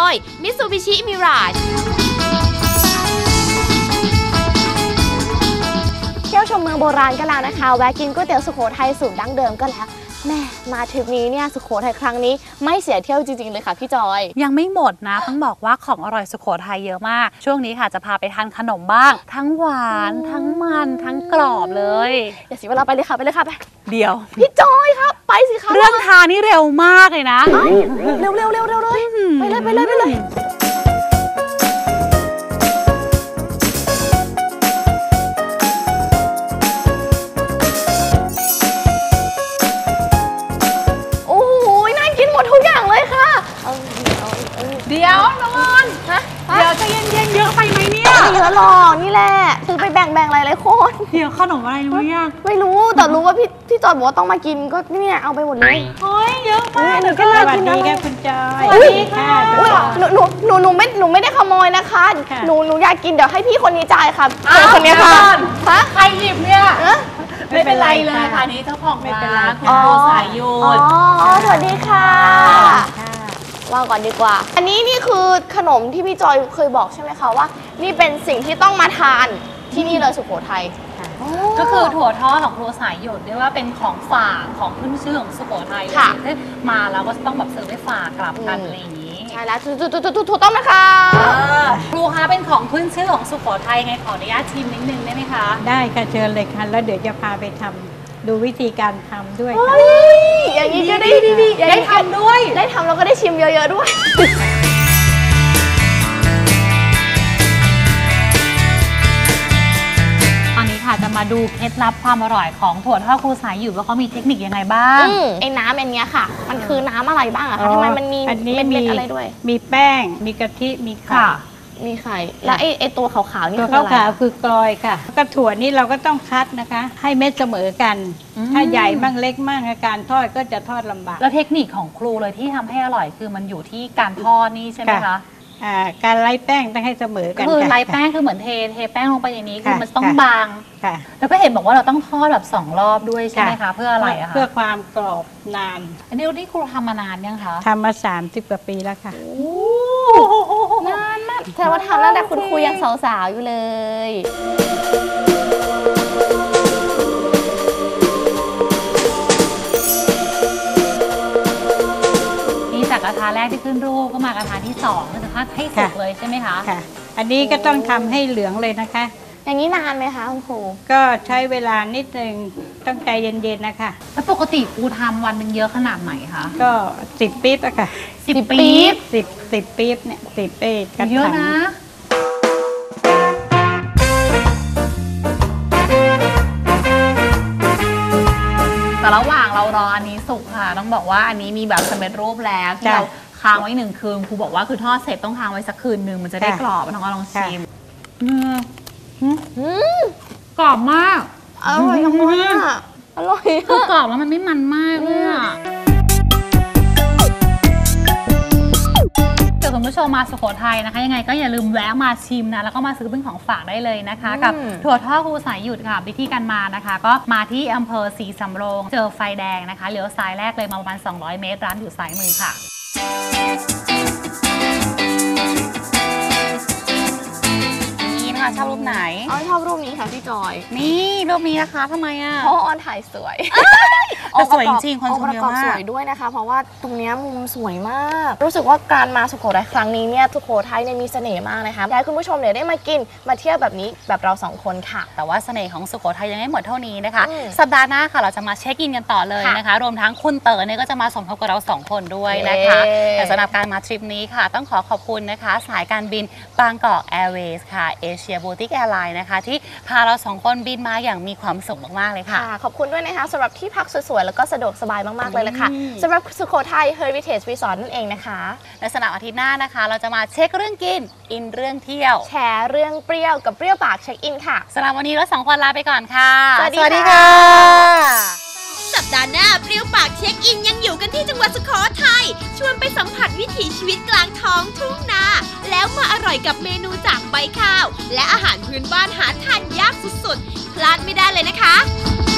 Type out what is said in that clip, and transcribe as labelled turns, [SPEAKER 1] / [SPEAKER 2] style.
[SPEAKER 1] ย Mitsubishi Mirage
[SPEAKER 2] เที่ยวชมเมืองโบราณก็แล้วนะคะแวะกินก๋วยเตี๋ยวสุโขทัยสูตรดั้งเดิมก็แล้วแม่มาทริปนี้เนี่ยสุโขทัยครั้งนี้ไม่เสียเที่ยวจริงๆเลยค่ะพี่จอย
[SPEAKER 3] ยังไม่หมดนะต้องบอกว่าของอร่อยสุโขทัยเยอะมากช่วงนี้ค่ะจะพาไปทานขนมบ้างทั้งหวานทั้งมันทั้งกรอบเลย
[SPEAKER 2] อย่าเสียเวลาไปเลยค่ะไป
[SPEAKER 3] เดี๋ยว
[SPEAKER 2] พี่จอยครับไปสิคะ
[SPEAKER 3] เรื่องทานนี่เร็วมากเลยนะ
[SPEAKER 2] เร็วเลยไปเลยทุกอย่างเลยค่ะ
[SPEAKER 3] เดี๋ยวนอนเดี๋ยวจะเย็นๆเยอะไปไหมเนี่ย
[SPEAKER 2] ไม่เยอะหรอกนี่แหละซื้อไปแบ่งหลายๆคน
[SPEAKER 3] เดี๋ยวขนมอะไรรู้ยัง
[SPEAKER 2] ไม่รู้แต่รู้ว่าพี่จอยบอกว่าต้องมากินก็เนี่ยเอาไปหมดเลย
[SPEAKER 3] เฮ้ยเยอะมาก
[SPEAKER 2] หนูก็เลยกินนะ
[SPEAKER 4] คุณจอย
[SPEAKER 2] สวัสดีค่ะหนูไม่ได้ขโมยนะคะหนูอยากกินเดี๋ยวให้พี่คนนี้จ่ายค่ะคนนี้ค่ะ
[SPEAKER 3] ใครหยิบเนี่ยไม่เป็นไรเลยค่ะนี้เจ้าของร้านคุณโบสายโยน
[SPEAKER 2] สวัสดีค่ะว่าก่อนดีกว่าอันนี้นี่คือขนมที่พี่จอยเคยบอกใช่ไหมคะว่านี่เป็นสิ่งที่ต้องมาทานที่นี่เลยสุโขทัย
[SPEAKER 3] ก็คือถั่วทอดของครัวสายหยดเรียกว่าเป็นของฝากของขึ้นชื่อของสุโขทัยเลยที่มาแล้วก็ต้องแบบเสิร์ฟให้ฝากกลับกันอะไรอย่างนี้
[SPEAKER 2] ใช่แล้วถูกต้องนะคะ
[SPEAKER 3] ครูคะเป็นของขึ้นชื่อของสุโขทัยไงขออนุญาตชิมนิดนึงได้ไหมคะ
[SPEAKER 4] ได้ค่ะเชิญเลยค่ะแล้วเดี๋ยวจะพาไปทำดูวิธีการทำด้วยค่ะ
[SPEAKER 2] อย่างนี้ก็
[SPEAKER 3] ได้ทำด้วย
[SPEAKER 2] ได้ทำแล้วก็ได้ชิมเยอะๆด้วย
[SPEAKER 3] ตอนนี้ค่ะจะมาดูเคล็ดลับความอร่อยของถั่วทอดครูสายหยุดว่าเขามีเทคนิคยังไงบ้าง
[SPEAKER 2] ไอ้น้ำอันนี้ค่ะมันคือน้ำอะไรบ้างอะคะทำไมมันมีเม็ดอะไรด้วย
[SPEAKER 4] มีแป้งมีกะทิมีไข่
[SPEAKER 2] มีไข่แล้วไอ้ตัวขาวๆนี่
[SPEAKER 4] คืออะไรตัวขาวๆคือกลอยค่ะก็ถั่วนี่เราก็ต้องคัดนะคะให้เม็ดเสมอกันถ้าใหญ่บ้างเล็กบ้างการทอดก็จะทอดลำบาก
[SPEAKER 3] แล้วเทคนิคของครูเลยที่ทำให้อร่อยคือมันอยู่ที่การทอดนี่ใช่ไหมคะ
[SPEAKER 4] การไล่แป้งต้องให้เสมอกัน
[SPEAKER 3] คือไล่แป้งคือเหมือนเทแป้งลงไปในนี้คือมันต้องบางแล้วก็เห็นบอกว่าเราต้องทอดแบบ2 รอบด้วยใช่ไหมคะเพื่ออะไรอะคะ
[SPEAKER 4] เพื่อความกรอบนาน
[SPEAKER 3] อันนี้ที่ครูทำมานานยังคะ
[SPEAKER 4] ทำมา30 กว่าปีแล้วค่ะ
[SPEAKER 2] นานมากแต่ว่าทำตั้งแต่คุณครูยังสาวๆอยู่เลย
[SPEAKER 3] จากกระทะแรกที่ขึ้นรูปก็มากระทะที่2ก็จะทอดให้สุกเลยใช่ไหมคะ
[SPEAKER 4] ค่ะอันนี้ก็ต้องทำให้เหลืองเลยนะคะ
[SPEAKER 2] อย่างนี้นานไหมคะคุณครู
[SPEAKER 4] ก็ใช้เวลานิดนึงต้องใจเย็นๆนะคะ
[SPEAKER 3] แล้วปกติครูทำวันหนึ่งเยอะขนาดไหนคะ
[SPEAKER 4] ก็10 ปี๊บอะค่ะ
[SPEAKER 3] 10 ปี๊บ
[SPEAKER 4] 10 ปี๊บเนี่ย10 ปี๊บ
[SPEAKER 3] เยอะนะแต่ระหว่างเรารออันนี้สุกค่ะต้องบอกว่าอันนี้มีแบบสำเร็จรูปแล้วที่เราค้างไว้1 คืนครูบอกว่าคือทอดเสร็จต้องค้างไว้สักคืนนึงมันจะได้กรอบน้องก็ลองชิมกรอบมาก
[SPEAKER 2] อร่อยมากอร่อย
[SPEAKER 3] คือกรอบแล้วมันไม่มันมากเลยอะคุณผู้ชมมาสุโขทัยนะคะยังไงก็อย่าลืมแวะมาชิมนะแล้วก็มาซื้อเป็นของฝากได้เลยนะคะกับถั่วทอดครูสายหยุดค่ะวิธีการมานะคะก็มาที่อำเภอศรีสำโรงเจอไฟแดงนะคะเลี้ยวซ้ายแรกเลยมาประมาณ200 เมตรร้านอยู่ซ้ายมือค่ะนี่นะคะชอบรูปไหน
[SPEAKER 2] ชอบรูปนี้ค่ะพี่จอย
[SPEAKER 3] นี่รูปนี้นะคะทำไมอ่ะ
[SPEAKER 2] เพราะออนถ่ายสวย
[SPEAKER 3] สวยจริงคนชมเยอะมาก
[SPEAKER 2] สวยด้วยนะคะเพราะว่าตรงนี้มุมสวยมากรู้สึกว่าการมาสุโขทัยครั้งนี้เนี่ยสุโขทัยเนี่ยมีเสน่ห์มากนะคะอยากให้คุณผู้ชมเนี่ยได้มากินมาเที่ยวแบบนี้แบบเรา2 คนค่ะ
[SPEAKER 3] แต่ว่าเสน่ห์ของสุโขทัยยังไม่หมดเท่านี้นะคะสัปดาห์หน้าค่ะเราจะมาเช็คอินกันต่อเลยนะคะรวมทั้งคุณเต๋อเนี่ยก็จะมาสมทบกับเรา2 คนด้วยนะคะแต่สำหรับการมาทริปนี้ค่ะต้องขอบคุณนะคะสายการบินบางกอกแอร์เวย์ค่ะเอเชียบูติกแอร์ไลน์นะคะที่พาเรา2 คนบินมาอย่างมีความสุขมากๆเลยค่ะ
[SPEAKER 2] ขอบคุณด้วยนะคะสำหรับที่พักสวยๆแล้วก็สะดวกสบายมากๆเลยค่ะสำหรับสุโขทัย Heritage Resort นั่นเองนะคะ
[SPEAKER 3] ในสำหรับอาทิตย์หน้านะคะเราจะมาเช็คเรื่องกินอินเรื่องเที่ยว
[SPEAKER 2] แชร์เรื่องเปรี้ยวกับเปรี้ยวปากเช็คอินค่ะ
[SPEAKER 3] สำหรับวันนี้เรา2 คนลาไปก่อนค่ะ
[SPEAKER 2] สวัสดีค่ะ
[SPEAKER 1] สัปดาห์หน้าเปรี้ยวปากเช็คอินยังอยู่กันที่จังหวัดสุโขทัยชวนไปสัมผัสวิถีชีวิตกลางท้องทุ่งนาแล้วมาอร่อยกับเมนูจากใบข้าวและอาหารพื้นบ้านหาทานยากสุดๆพลาดไม่ได้เลยนะคะ